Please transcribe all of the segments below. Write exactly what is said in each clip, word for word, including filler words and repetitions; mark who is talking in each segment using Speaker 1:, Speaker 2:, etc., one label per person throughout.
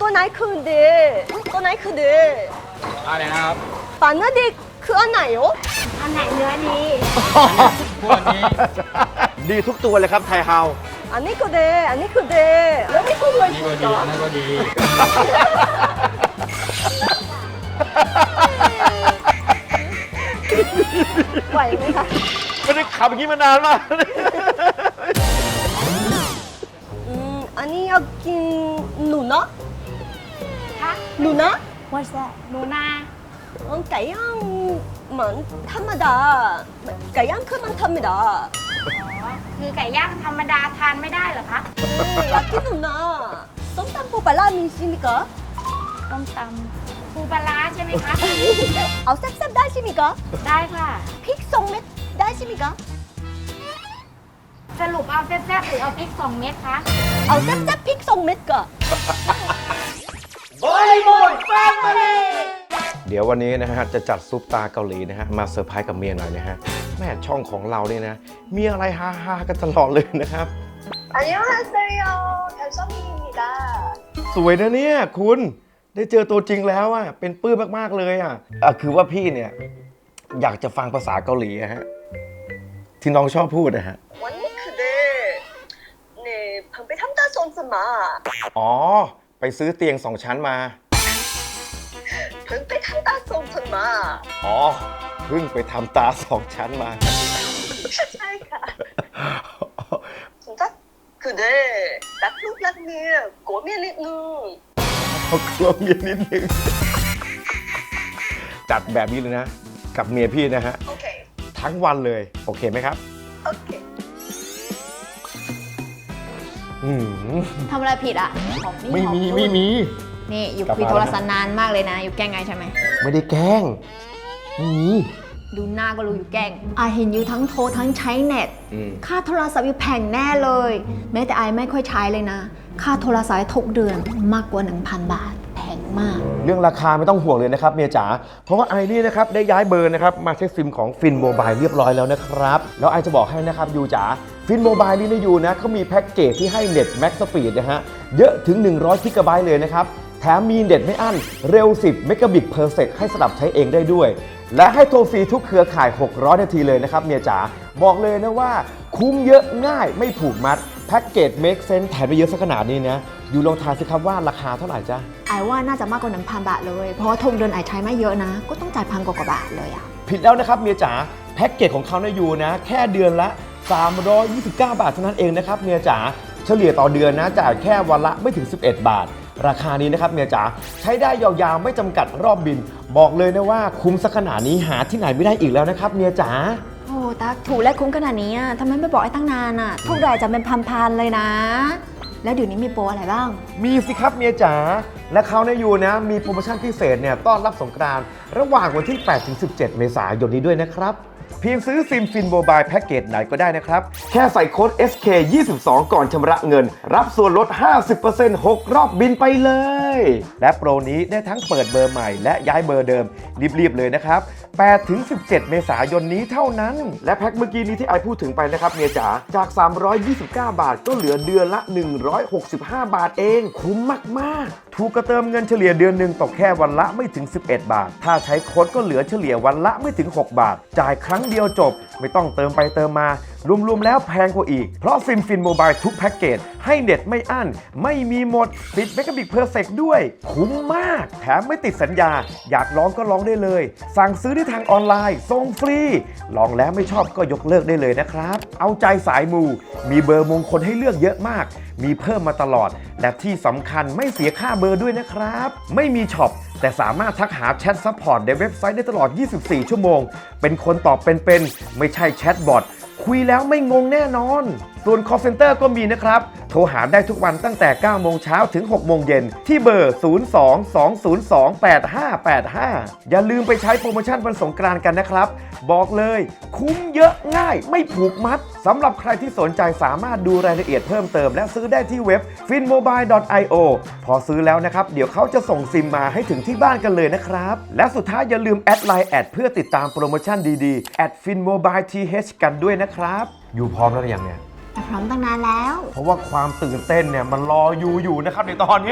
Speaker 1: ตัวไหนคือเดตัวไหนคือเด
Speaker 2: อะไรนะครับ
Speaker 1: ปาเนื้อดีคืออันไหนโอ
Speaker 3: อันไหนเนื้อดี
Speaker 2: พวกนี้
Speaker 4: ดีทุกตัวเลยครับไทเฮา
Speaker 1: อันนี้ก็เดอันนี้คือเดแล้วนี่คือเลย
Speaker 2: นี่ก็ดีอันนั้นก็ดี
Speaker 1: ไหวไหมคะ
Speaker 4: ไม่ได้ขับอย่างนี้มานานมาก
Speaker 1: อืมอันนี้อยากกินหนูนะ
Speaker 3: คะ
Speaker 1: หนูนะ
Speaker 3: What's that หนูนา
Speaker 1: ไก่ย่างเหมือนธรรมดาไก่ย่างคือมันธรรมดา
Speaker 3: อ๋อคือไก่ย่างธรรมดาทานไม่ได้เหรอคะ
Speaker 1: อยากกินหนูนะส้มตำปูปลาร้ามีใช่ไหมคะ
Speaker 3: ต้มตำปูปลาร้าใช่ไหมคะ
Speaker 1: เอาแซ่บๆได้ใช่ไหมคะ
Speaker 3: ได้ค่ะ
Speaker 1: พริกสองเม็ดได้ใช่ไหมคะ
Speaker 3: สรุปเอาแซ่บๆหรือเอาพริกสองเม็ดคะ
Speaker 1: เอาแซ่บๆพริกสองเม็ดก่อน
Speaker 4: บริบูรณ์แฟมิลี่เดี๋ยววันนี้นะฮะจะจัดซุปตาเกาหลีนะฮะมาเซอร์ไพรส์กับเมียหน่อยนะฮะแม่ช่องของเราเนี่ยนะมีอะไรฮาๆกันตลอดเลยนะครับ
Speaker 1: อันนี้ฮาเซโยแคมซอมีมิดา
Speaker 4: สวยนะเนี่ยคุณได้เจอตัวจริงแล้วอ่ะเป็นปื้มมากๆเลยอ่ะอ่ะคือว่าพี่เนี่ยอยากจะฟังภาษาเกาหลีอะฮะที่น้องชอบพูดนะฮะ
Speaker 1: วันนี้คือเดเนี่ยเพิ่งไปทำตาทรงสมา
Speaker 4: อ๋อไปซื้อเตียงสองชั้นมา
Speaker 1: เพิ่งไปทำตาทรงสมา
Speaker 4: อ๋อเพิ่งไปทำตาสองชั้นมา
Speaker 1: ใช่ค่ะจักคือเดรักลูกรักเมียกลัวเมียนิดนึง
Speaker 4: กลัวเมียนิดนึงจัดแบบนี้เลยนะกับเมียพี่นะฮะ
Speaker 1: โอเค
Speaker 4: ทั้งวันเลยโอเคไหมครับ
Speaker 1: โอเค
Speaker 3: ทำอะไรผิดอ่ะ
Speaker 4: ไม่มีไม่มี
Speaker 3: นี่อยู่คุยโทรศัพท์นานมากเลยนะอยู่แกล้งไงใช่ไหม
Speaker 4: ไม่ได้แกล้งไม่มี
Speaker 3: ดูหน้าก็รู้อยู่แกล้งอาเห็นอยู่ทั้งโทรทั้งใช้เน็ตค่าโทรศัพท์อยู่แพงแน่เลยแม้แต่ไอไม่ค่อยใช้เลยนะค่าโทรศัพท์ทุกเดือนมากกว่า หนึ่งพัน บาทแพงมาก
Speaker 4: เรื่องราคาไม่ต้องห่วงเลยนะครับเมียจ๋าเพราะว่าไอนี่นะครับได้ย้ายเบอร์นะครับมาใช้ซิมของฟินโมบายเรียบร้อยแล้วนะครับแล้วไอจะบอกให้นะครับยูจ๋าฟินโมบายนี่นะยูนะเขามีแพ็กเกจที่ให้เน็ตแม็กสปีดนะฮะเยอะถึงหนึ่งร้อยกิกะไบต์เลยนะครับแถมมีเน็ตไม่อั้นเร็วสิบเมกะบิตเพอร์เซกให้สลับใช้เองได้ด้วยและให้โทรฟรีทุกเครือข่ายหกร้อยนาทีเลยนะครับเมียจ๋าบอกเลยนะว่าคุ้มเยอะง่ายไม่ผูกมัดแพ็กเกจ make sense แถมไปเยอะสักขนาดนี้นะอยู่ลองทายสิครับว่าราคาเท่าไหร่จ๊ะ
Speaker 3: ไอว่าน่าจะมากกว่า หนึ่งพัน บาทเลยเพราะว่าทงเดือนไอใช้ไม่เยอะนะก็ต้องจ่ายพันกว่าบาทเลยอะ
Speaker 4: ผิดแล้วนะครับเมียจ๋าแพ็กเกจของเขาเนี่ยอยู่นะแค่เดือนละสามร้อยยี่สิบเก้าบาทเท่านั้นเองนะครับเมียจ๋าเฉลี่ยต่อเดือนนะจ่ายแค่วันละไม่ถึงสิบเอ็ดบาทราคานี้นะครับเมียจ๋าใช้ได้ยาวๆไม่จำกัดรอบบินบอกเลยนะว่าคุ้มสักขนาดนี้หาที่ไหนไม่ได้อีกแล้วนะครับเมียจ๋า
Speaker 3: โอ้ตักถูกและคุ้มขนาดนี้ทำไมไม่บอกไอ้ตั้งนานอ่ะทุกรายจะเป็นพันๆเลยนะแล้วเดี๋ยวนี้มีโปรอะไรบ้าง
Speaker 4: มีสิครับเมียจ๋าและเขาเนี่ยอยู่นะมีโปรโมชั่นพิเศษเนี่ยต้อนรับสงกรานต์ระหว่างวันที่แปดถึงสิบเจ็ดเมษายนนี้ด้วยนะครับเพียงซื้อซิมฟินโมบายแพ็กเกจไหนก็ได้นะครับแค่ใส่โค้ด เอส เค ยี่สิบสอง ก่อนชำระเงินรับส่วนลด ห้าสิบเปอร์เซ็นต์ หก รอบบินไปเลยและโปรนี้ได้ทั้งเปิดเบอร์ใหม่และย้ายเบอร์เดิมรีบๆเลยนะครับแปดถึงสิบเจ็ดเมษายนนี้เท่านั้นและแพ็คเมื่อกี้นี้ที่ไอพูดถึงไปนะครับเมียจ๋าจากสามร้อยยี่สิบเก้าบาทก็เหลือเดือนละหนึ่งร้อยหกสิบห้าบาทเองคุ้มมากๆถูกกระเติมเงินเฉลี่ยเดือนหนึ่งตกแค่วันละไม่ถึงสิบเอ็ดบาทถ้าใช้โค้ดก็เหลือเฉลี่ยวันละไม่ถึงหกบาทจ่ายครั้งเดียวจบไม่ต้องเติมไปเติมมารวมๆแล้วแพงกว่าอีกเพราะซิมฟินโมบายทุกแพ็กเกจให้เน็ตไม่อั้นไม่มีหมดสิบเมกะบิตเพอร์เซกด้วยคุ้มมากแถมไม่ติดสัญญาอยากลองก็ลองได้เลยสั่งซื้อได้ทางออนไลน์ส่งฟรีลองแล้วไม่ชอบก็ยกเลิกได้เลยนะครับเอาใจสายมูมีเบอร์มงคลให้เลือกเยอะมากมีเพิ่มมาตลอดและที่สำคัญไม่เสียค่าเบอร์ด้วยนะครับไม่มีช็อปแต่สามารถทักหาแชทซัพพอร์ตในเว็บไซต์ได้ตลอดยี่สิบสี่ชั่วโมงเป็นคนตอบเป็นๆไม่ใช่แชทบอทคุยแล้วไม่งงแน่นอนส่วน call center ก็มีนะครับโทรหาได้ทุกวันตั้งแต่เก้าโมงเช้าถึงหกโมงเย็นที่เบอร์ศูนย์ สอง สอง ศูนย์ สอง แปด ห้า แปด ห้าอย่าลืมไปใช้โปรโมชั่นวันสงกรานต์กันนะครับบอกเลยคุ้มเยอะง่ายไม่ผูกมัดสำหรับใครที่สนใจสามารถดูรายละเอียดเพิ่มเติมและซื้อได้ที่เว็บ ฟินโมบาย ดอท ไอ โอ พอซื้อแล้วนะครับเดี๋ยวเขาจะส่งซิมมาให้ถึงที่บ้านกันเลยนะครับและสุดท้ายอย่าลืมแอดไลน์แอดเพื่อติดตามโปรโมชั่นดีๆแอด ฟินโมบาย ที เอช กันด้วยนะครับอยู่พร้อมแล้วหรือยังเนี่ย
Speaker 3: พร้อมตั้งนานแล้ว
Speaker 4: เพราะว่าความตื่นเต้นเนี่ยมันรออยู่อยู่นะครับในตอนเนี้ย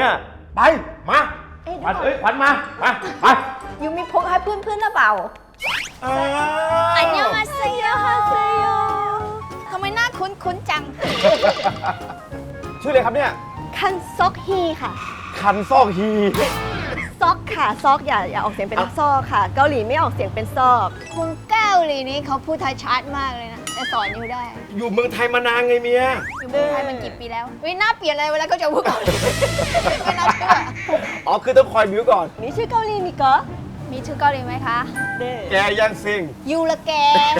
Speaker 4: ไป มาขวัญเอ้ยขวัญมา มา ไป
Speaker 3: ยูมีพกให้เพื่อนๆหรือเปล่า อันยองอาเซโยฮาเซโยทำไมหน้าคุ้นๆจัง
Speaker 4: ชื่ออะไรครับเนี่ย
Speaker 1: คันซอกฮีค่ะ
Speaker 4: คันซอกฮี
Speaker 1: ซอกค่ะ ซอกอย่าอย่าออกเสียงเป็นซอกค่ะ เกาหลีไม่ออกเสียงเป็นซอก
Speaker 3: คนเกาหลีนี้เขาพูดไทยชัดมากเลยนะ แต่สอนยูได้
Speaker 4: อยู่เมืองไทยมานานไงเมีย
Speaker 3: อยู่เมืองไทยมันกี่ปีแล้ววิหน้าเปลี่ยนเลยเวลาเขาจะพูดเกาหลีไม่น่าเชื่อ
Speaker 4: อ๋อ คือต้องคอยบิวก่อน
Speaker 1: นี่ชื่อเกาหลีมีก็
Speaker 3: มีชื่อเกาหลีไหมคะ
Speaker 1: เด้
Speaker 4: แกยังซิง
Speaker 3: ยูละแก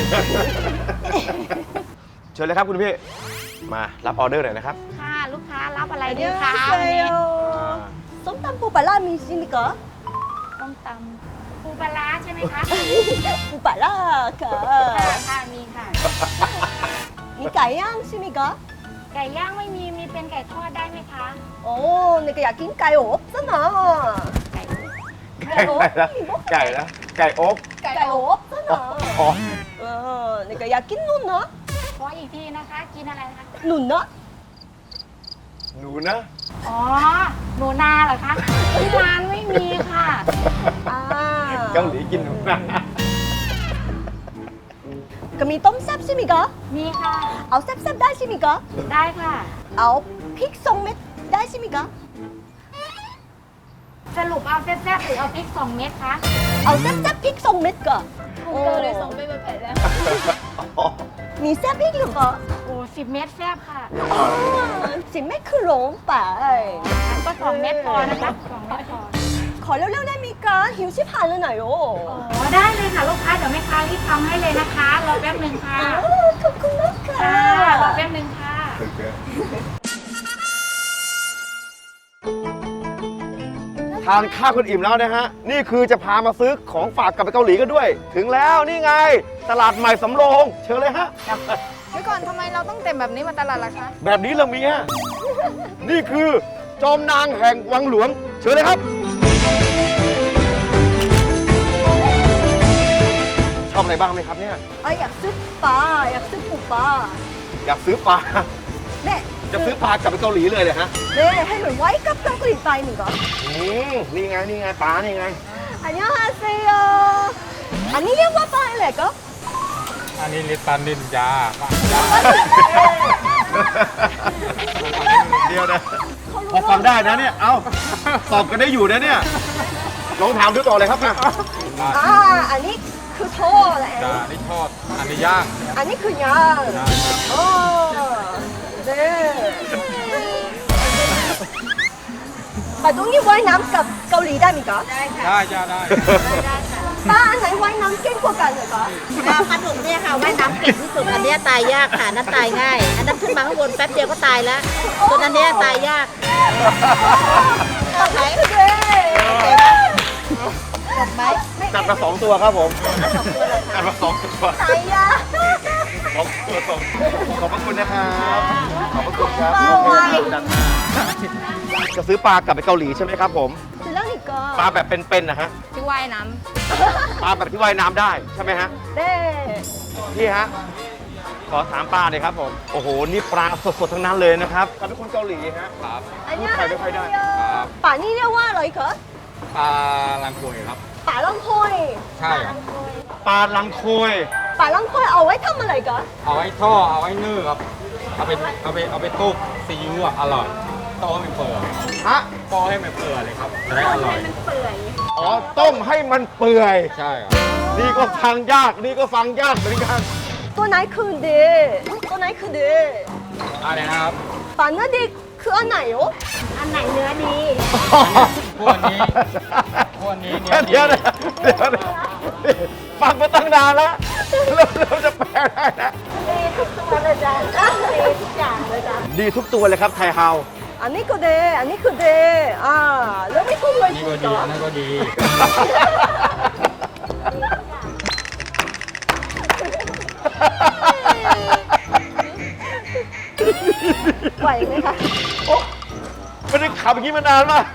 Speaker 4: เชิญเลยครับคุณพี่ มารับออเดอร์หน่อยนะครับ
Speaker 3: ค่ะลูกค้ารับอะไร
Speaker 1: อัน
Speaker 3: ดี
Speaker 1: ยอง
Speaker 3: คะ
Speaker 1: อาเซ
Speaker 3: วันนี้
Speaker 1: โยส้มตำปูปลาร้ามีชิมิก็
Speaker 3: ต้มตำปูปลาร้าใช่ไหมคะ
Speaker 1: ปูปลาร้าค่ะ
Speaker 3: ค่ะมีค่ะ
Speaker 1: มีไก่ย่างชิมิก็
Speaker 3: ไก่ย่างไม่มีมีเป็นไก่ทอดได้ไหมคะ
Speaker 1: โอ้นี่ก็อยากกินไก่อบซะหน่อย
Speaker 3: ไก่
Speaker 4: ไก่นะไก่นะไก่อบ
Speaker 1: ไก่อบซะหน่อย
Speaker 4: อ๋อ
Speaker 1: เออนี่ก็อยากกินนุ่นเนาะ
Speaker 3: ขออีกทีนะคะ กินอะไรคะ
Speaker 1: นุ่นเนาะ
Speaker 4: หนูนะ
Speaker 3: อ๋อหนูนาเหรอคะที่ร้านไม่มีค่ะ
Speaker 1: อ่า
Speaker 4: เกาหลีกินหนูนะ
Speaker 1: ก็มีต้มแซ่บใช่ไหมก็
Speaker 3: มีค่ะ
Speaker 1: เอาแซ่บๆได้ใช่ไหมก็
Speaker 3: ได้ค่ะ
Speaker 1: เอาพริกทรงเม็ดได้ใช่ไหมก็
Speaker 3: สรุปเอาแซ่บๆหรือเอาพริกสองเม็ดคะ
Speaker 1: เอาแซ่บๆพริกทรงเม็ดก็
Speaker 3: คุณเกาเลยสองเม็ดเป็นแผ่นแล้ว
Speaker 4: อ๋อ
Speaker 1: มีแซ่บพริกหรือก็
Speaker 3: โอ้สิบเม็ดแซ่บค่ะ
Speaker 1: สิเม็ดคือหลงไป
Speaker 3: งั้นก็สองเม็ดพอนะคะสองเม็ดพอ
Speaker 1: ขอเร็วๆได้ไหมก็หิวชิบหายเลยหน่อยโอ้
Speaker 3: อ๋อได้เลยค่ะลูกค้าเดี๋ยวแม่ค้ารีบทำให้เลยนะคะรอแป๊บหนึ่งค่ะ
Speaker 1: ขอบคุณมากค่ะ
Speaker 3: ค่ะรอแป๊บหนึ่งค่ะ
Speaker 4: ทานข้าวกันอิ่มแล้วนะฮะ นี่คือจะพามาซื้อของฝากกลับไปเกาหลีกันด้วย ถึงแล้วนี่ไง ตลาดใหม่สำโรง เชิญเลยฮะ
Speaker 3: เดี๋ยวก่อนทำไมเราต้องเต็มแบบนี้มาตลาดล่ะคะ
Speaker 4: แบบนี้ละเมีย นี่คือจอมนางแห่งวังหลวง เชิญเลยครับ ชอบอะไรบ้างไหมครับเนี่ย
Speaker 1: เอยอยากซื้อปลาอยากซื้อปูปลา
Speaker 4: อยากซื้อปลา
Speaker 1: เน่
Speaker 4: จะซื้อปลากลับไปเกาหลีเลยเลยฮะ
Speaker 1: เน่ให้เหมือนไว้กับเกาหลีไปหนึ่งก็
Speaker 4: อืมนี่ไง นี่ไงปลานี่ไง
Speaker 1: อันยองฮาเซโยอันนี้เรียกว่าปลาอะไรก็
Speaker 2: อันนี้ลิปตันนินจาปะจ้า
Speaker 4: เดียวนะ พอฟังได้นะเนี่ย เอ้า ตอบกันได้อยู่นะเนี่ย ลองถามดูต่อเลยครับนะ
Speaker 1: อ่าอันนี้คือโทษแหละ
Speaker 2: จ้านี่ทอด อันนี้ย่าง
Speaker 1: อันนี้คือย่าง
Speaker 2: จ้า
Speaker 1: โอ้เน่ปลาตรงนี้ว่ายน้ำกับเกาหลีได้ไหมก็
Speaker 3: ได้ค่ะ
Speaker 2: ได้จ้าได้
Speaker 3: ได้ค่ะ
Speaker 1: ป้าอันไหนว่ายน้ำเก่งกว่ากันเหรอก็
Speaker 5: ปลาปลาดุกเนี่ยค่ะว่ายน้ำเก่งที่สุดอันเนี้ยตายยากค่ะอันนั้นตายง่าย อันนั้นขึ้นมาข้างบนแป๊บเดียวก็ตายแล้วส่วนอันเนี้ยตายยาก
Speaker 1: ไหนคือเด้
Speaker 5: หมดไหม
Speaker 4: จัดมาสองตัวครับผม จัดมาสองตัว
Speaker 1: ตายยา
Speaker 4: สองตัวสองขอบพระคุณนะครับ ขอบพระคุณครับ
Speaker 1: ปลาไว
Speaker 4: จัดมาจะซื้อปลากลับไปเกาหลีใช่ไหมครับผม
Speaker 1: เสร็จแล้วนี่ก็
Speaker 4: ปลาแบบเป็นๆนะฮะ
Speaker 3: ที่ว่ายน้
Speaker 4: ปลาแบบที่ว่ายน้ำได้ใช่ไหมฮะ
Speaker 1: เด้
Speaker 4: พี่ฮะ ขอถามปลาเลยครับผม โอ้โห นี่ปลาสดๆทั้งนั้นเลยนะครับกับเป็นคนเกาหลีฮะ
Speaker 2: ครับ
Speaker 1: อันนี้
Speaker 4: พูดไทยไม่ค่อยได้
Speaker 2: ครับ
Speaker 1: ป่านี่เรียกว่าอะไรก็
Speaker 2: ปลาลังกวยครับ
Speaker 1: ป่าลังค่อย
Speaker 2: ใช่ครับ
Speaker 4: ปลาลังโคย
Speaker 1: ป่าลังค่อยเอาไว้ทำอะไรก็
Speaker 2: เอาไว้ท่อดเอาไว้นึ่งครับ เอาไปเอาไปเอาไปตุ๊กซีอิ๊วอ่ะอร่อยต้มให้มันเปื่อย
Speaker 4: ฮะ
Speaker 2: ต้มให้มันเปื่อยเลยครับ จะได้อร่อย
Speaker 4: อ๋อ ต้มให้มันเปื่อย
Speaker 2: ใช่ครับ
Speaker 4: นี่ก็ฟังยาก นี่ก็ฟังยากเหมือนกัน
Speaker 1: ตัวไหนคือเดตัวไหนคือเด
Speaker 2: อะไรนะครับ
Speaker 1: ป่าเนื้อดีคืออันไหนโอ้
Speaker 3: อันไหนเนื้อดี
Speaker 2: พวกนี้ พวกนี้เนี่ย
Speaker 4: เดี๋ยวนะเดี๋ยวนะฟังมาตั้งนานแล้วเราเราจะแปลได้นะ
Speaker 1: ดีทุกตัวเลยจ้ะดีทุกอย่างเลยจ้ะ
Speaker 4: ดีทุกตัวเลยครับไทยเฮา
Speaker 1: อันนี้ก็เดอันนี้คือเดอ่าแล้วไม่ทุ่มเลย
Speaker 2: นี่ก็ดี อันนั้นก็ดี
Speaker 1: ไหวไหมคะ
Speaker 4: โอ้ไม่ได้ขับอย่างนี้มานานมาก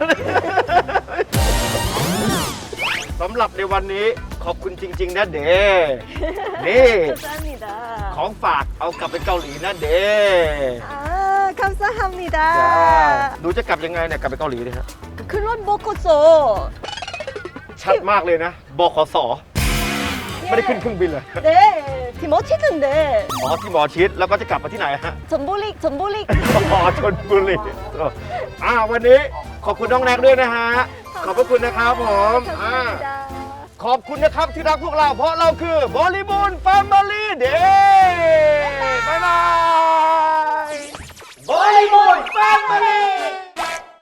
Speaker 4: สำหรับในวันนี้ขอบคุณจริง ๆ นะเดนี่
Speaker 1: ขอบคุณค่ะ
Speaker 4: ของฝากเอากลับไปเกาหลีนะเด
Speaker 1: อ่าคำสั่ง합니다
Speaker 4: หนูจะกลับยังไงเนี่ยกลับไปเกาหลีเนี่ยฮะ
Speaker 1: 그 그런 먹었어.
Speaker 4: ชัดมากเลยนะบขสไม่ได้ขึ้นเครื่องบินเลย
Speaker 1: 네, 디머치던데.
Speaker 4: อ๋อที่หมอชิดแล้วก็จะกลับมาที่ไหนฮะ
Speaker 1: 전보릭, 전보릭.
Speaker 4: อ๋อชนบุรีอ่าวันนี้ขอบคุณน้องแน็กด้วยนะฮะ ขอบพระคุณนะครับผมอ่า
Speaker 1: 감사합니다.
Speaker 4: ขอบคุณนะครับที่รักพวกเราเพราะเราคือบริบูรณ์แฟมิลี่เด